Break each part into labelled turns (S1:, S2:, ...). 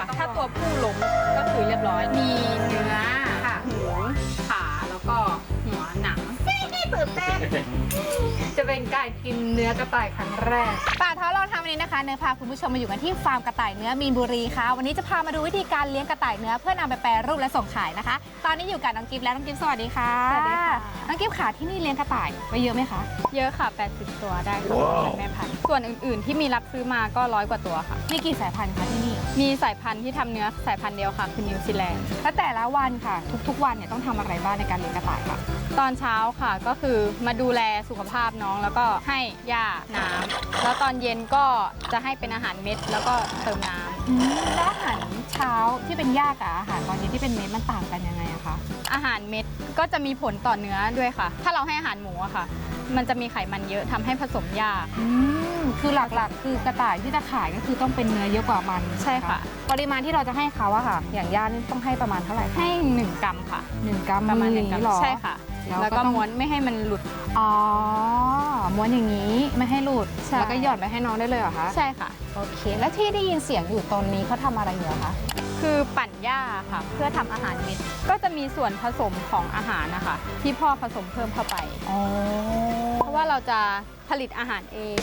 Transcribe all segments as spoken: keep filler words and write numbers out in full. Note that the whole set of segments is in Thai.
S1: ถ้าตัวผู้ล้มก็คือเรียบร้อยมีเนื้อหูขาแล้วก็หัวหนังตื่นเต้นจะเป็นการกินเนื้อกระต่ายครั้งแรก
S2: ป่าท้อลองทำวันนี้นะคะเนื้อพาคุณผู้ชมมาอยู่กันที่ฟาร์มกระต่ายเนื้อมีนบุรีค่ะวันนี้จะพามาดูวิธีการเลี้ยงกระต่ายเนื้อเพื่อนำไปแปรรูปและส่งขายนะคะตอนนี้อยู่กับน้องกิฟต์และน้องกิฟต์สวัสดีค่ะ
S1: สวัสดีค่ะ
S2: น้องกิฟต์ค่ะที่นี่เลี้ยงกระต่ายไว้เยอะไหมคะ
S1: เยอะค่ะแปดสิบตัวได้ค่ะแม่พันธุ์ส่วนอื่นๆที่มีรับซื้อมาก็ร้อยกว่าตัวค่ะ
S2: มีกี่สายพันธุ์คะที่นี่
S1: มีสายพันธุ์ที่ทำเนื้อสายพันธุ์เดียวค่ะคือนิวซีแลนด์
S2: และแต่ละวันค่ะทุกๆวันเนี่ยต้องทำอะไรบ้างในการเลี้ยงกระต่ายค่ะ
S1: ตอนเช้าค่ะก็คือมาดูแลสุขภาพน้องแล้วก็ให้หญ้าน้ำแล้วตอนเย็นก็จะให้เป็นอาหารเม็ดแล้วก็เติมน้
S2: ำแล้วอาหารเช้าที่เป็นหญ้ากับอาหารตอนเย็นที่เป็นเม็ดมันต่างกันยังไงอะคะ
S1: อาหารเม็ดก็จะมีผลต่อเนื้อด้วยค่ะถ้าเราให้อาหารหมูอะค่ะมันจะมีไขมันเยอะทำให้ผสมยาก
S2: คือหลักๆคือกระต่ายที่จะขายก็คือต้องเป็นเนื้อเยอะกว่ามัน
S1: ใช่ค่ะ
S2: ปริมาณที่เราจะให้เขาอะค่ะอย่างย่านี่ต้องให้ประมาณเท่าไหร่
S1: ให้หนึ่งกรัมค่ะ
S2: หนึ่งกรัม
S1: ประมาณหนึ่งกรัมใช่ค่ะแล้วก็ม้วนไม่ให้มันหลุด
S2: อ๋อม้วนอย่างนี้ไม่ให้หลุดแล้วก็หย่อนไปให้น้องได้เลยเหรอคะ
S1: ใช่ค่ะ
S2: โอเคแล้วที่ได้ยินเสียงอยู่ตรงนี้เขาทำอะไรอยู่คะ
S1: คือปั่นหญ้าค่ะเพื่อทำอาหารเม็ดก็จะมีส่วนผสมของอาหารนะคะที่พ่อผสมเพิ่มเข้าไป
S2: อ๋อ
S1: เพราะว่าเราจะผลิตอาหารเอง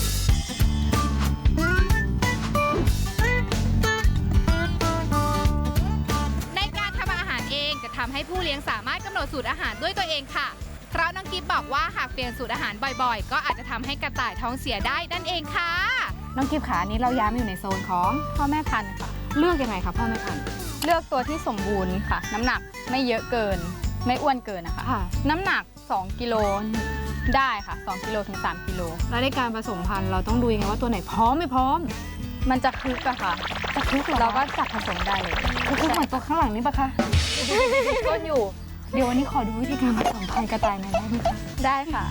S2: ในการทำอาหารเองจะทำให้ผู้เลี้ยงสามารถกำหนดสูตรอาหารด้วยตัวเองค่ะเพราะน้องกิฟบอกว่าหากเปลี่ยนสูตรอาหารบ่อยๆก็อาจจะทำให้กระต่ายท้องเสียได้นั่นเองค่ะน้องกิฟขานี้เราย้ายมาอยู่ในโซนของ
S1: พ่อแม่พันธุ์ค่ะ
S2: เลือกยังไงคะพ่อแม่พันธุ์
S1: เลือกตัวที่สมบูรณ์ค่ะน้ำหนักไม่เยอะเกินไม่อ้วนเกินนะคะน้ำหนักสองกิโลได้ค่ะสองกิโลถึงสามกิโล
S2: แล้วในการผสมพันธุ์เราต้องดูยังไงว่าตัวไหนพร้อมไม่พร้อม
S1: มันจะคลุกอะค่ะ
S2: จะคลุกเหรอ
S1: เราก็จับผสมได้เลย
S2: คลุกเหมือนตัวข้างหลังนี่ปะคะ
S1: ก็อยู่
S2: เดี๋ยววันนี้ขอดูวิธีการผสมพันธุ์กระต่ายหน่อยได้ไหมคะ
S1: ได้ค่ะ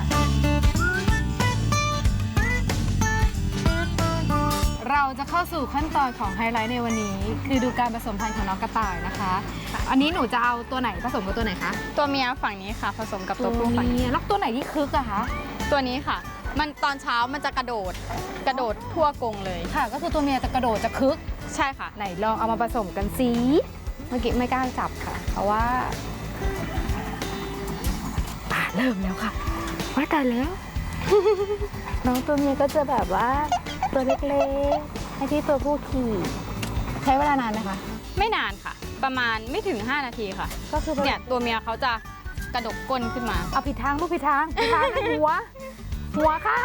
S2: เราจะเข้าสู่ขั้นตอนของไฮไลท์ในวันนี้คือดูการผสมพันธุ์ของน้องกระต่ายนะคะอันนี้หนูจะเอาตัวไหนผสมกับตัวไหนคะ
S1: ตัวเมียฝั่งนี้ค่ะผสมกับตัวผู้ฝั่งนี้
S2: แล้วตัวไหนที่คึกอะคะ
S1: ตัวนี้ค่ะมันตอนเช้ามันจะกระโดดกระโดดทั่วกรงเลย
S2: ค่ะก็คือตัวเมียจะกระโดดจะคึก
S1: ใช่ค่ะ
S2: ไหนลองเอามาผสมกันสิเมื่อกี้ไม่กล้าจับค่ะเพราะว่าป่าเริ่มแล้วค่ะว่าตายแล้ว น้องตัวเมียก็จะแบบว่าตัวเล็กๆให้ที่ตัวผู้ขี่ใช้เวลานานไหมคะ
S1: ไม่นานค่ะประมาณไม่ถึงห้านาทีค่ะ
S2: ก็คือ
S1: เนี่ยตัวเมียเขาจะกระดกก้นขึ้นมา
S2: เอาผิดทางลูกผิดทางผิดทางหัวหัวค่ะ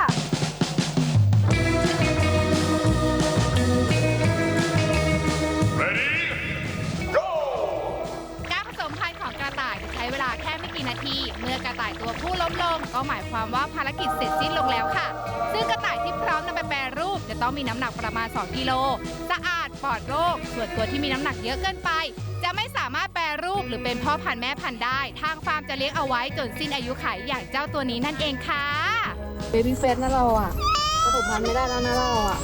S2: การผสมพันธุ์ของกระต่ายจะใช้เวลาแค่ไม่กี่นาทีเมื่อกระต่ายตัวผู้ล้มลงก็หมายความว่าภารกิจเสร็จสิ้นลงแล้วค่ะซึ่งกระต่ายที่พร้อมนำไปแปรรูปจะต้องมีน้ำหนักประมาณสองกิโลสะอาดปลอดโรคส่วนตัวที่มีน้ำหนักเยอะเกินไปจะไม่สามารถแปรรูปหรือเป็นพ่อพันธุ์แม่พันธุ์ได้ทางฟาร์มจะเลี้ยงเอาไว้จนสิ้นอายุขัยอย่างเจ้าตัวนี้นั่นเองค่ะเบบี้เฟสนะเราอ่ะผสมพันธุ์ไม่ได้แล้วนะเราอ่ะ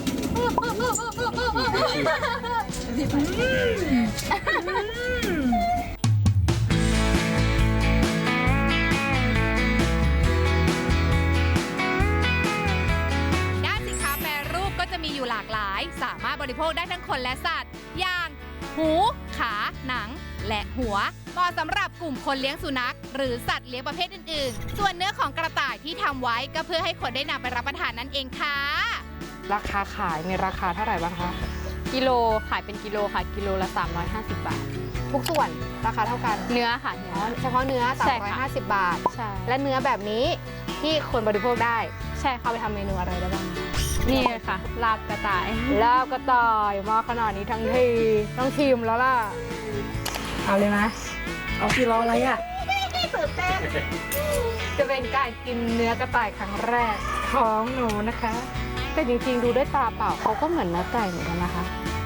S2: ด้านสินค้าแปรรูปก็จะมีอยู่หลากหลายสามารถบริโภคได้ทั้งคนและสัตว์อย่างหูขาหนังและหัวเหมาะสำหรับกลุ่มคนเลี้ยงสุนัขหรือสัตว์เลี้ยงประเภทอื่นๆส่วนเนื้อของกระต่ายที่ทำไว้ก็เพื่อให้คนได้นำไปรับประทานนั่นเองค่ะราคาขายมีราคาเท่าไหร่บ้างคะ
S1: กิโลขายเป็นกิโลค่ะกิโลละสามร้อยห้าสิบบาท
S2: ทุกส่วนราคาเท่ากัน
S1: เนื้อค่ะ
S2: เฉพาะเนื้อสามร้อยห้าสิบบาท
S1: ใช่
S2: และเนื้อแบบนี้ที่คนบริโภคได้
S1: ใช่
S2: เอาไปทำเมนูอะไรได้บ้าง
S1: นี่ค่ะลาบกระต่าย
S2: ลาบกระต่ายมาขนาดนี้ทั้งทีต้องชิมแล้วล่ะเอาเลยไหม
S3: เอาที่รออะไรอ่ะ
S2: ตื่นเต้นจะเป็นการกินเนื้อกระต่ายครั้งแรกของหนูนะคะแต่จริงๆดูด้วยตาเปล่าเขาก็เหมือนเนื้อไก่เหมือนกันนะคะ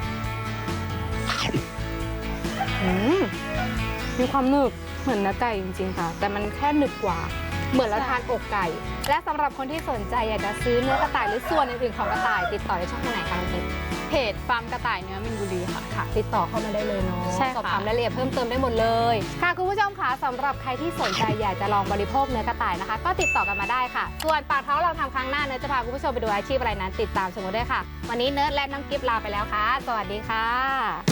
S2: อืมมีความหนึบเหมือนเนื้อไก่จริงๆค่ะแต่มันแค่หนึบกว่าเหมือนเราทานอกไก่
S1: และสำหรับคนที่สนใจอยากจะซื้อเนื้อกระต่ายหรือส่วนอื่นๆของกระต่ายติดต่อได้ช่องทางไหนคะน้องทิพย์เพจฟาร์มกระต่ายเนื้อมินบุรีค่ะค่ะ ติดต่อเข้ามาได้เลยเนาะ
S4: ใช่ค่ะ
S1: สอบถามรายละเอียดเพิ่มเติมได้หมดเลยค่ะคุณผู้ชมคะสำหรับใครที่สนใจอยากจะลองบริโภคเนื้อกระต่ายนะคะ ก็ติดต่อกันมาได้ค่ะ ส่วนปากท้องเราทำครั้งหน้าเนื้อจะพาคุณผู้ชมไปดูอาชีพอะไรนั้นติดตามชมกันด้วยค่ะ วันนี้เนิร์ดและน้องกิฟต์ลาไปแล้วค่ะ สวัสดีค่ะ